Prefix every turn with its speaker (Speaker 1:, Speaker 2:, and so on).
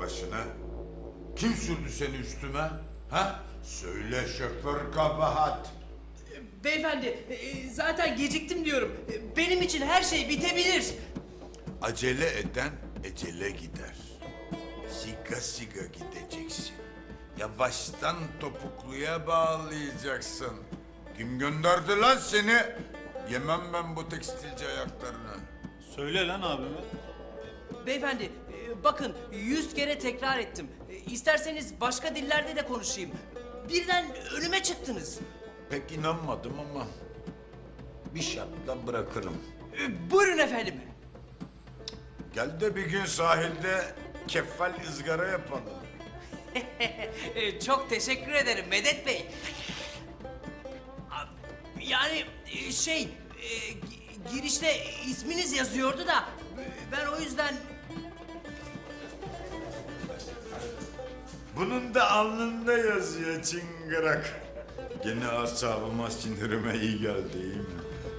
Speaker 1: başına? Kim sürdü seni üstüme? Ha? Söyle şoför kabahat.
Speaker 2: Beyefendi, zaten geciktim diyorum. Benim için her şey bitebilir.
Speaker 1: Acele eden ecele gider. Siga siga gideceksin. Yavaştan topukluya bağlayacaksın. Kim gönderdi lan seni? Yemem ben bu tekstilci ayaklarını.
Speaker 3: Söyle lan abime.
Speaker 2: Beyefendi, bakın 100 kere tekrar ettim. İsterseniz başka dillerde de konuşayım. Birden önüme çıktınız.
Speaker 1: Pek inanmadım ama bir şartla bırakırım.
Speaker 2: Buyurun efendim.
Speaker 1: Gel de bir gün sahilde keffal ızgara yapalım.
Speaker 2: Çok teşekkür ederim Medet Bey. Yani girişte isminiz yazıyordu da ben o yüzden...
Speaker 1: Bunun da alnında yazıyor çıngırak. Gene asabıma sinirime iyi geldi, iyi mi?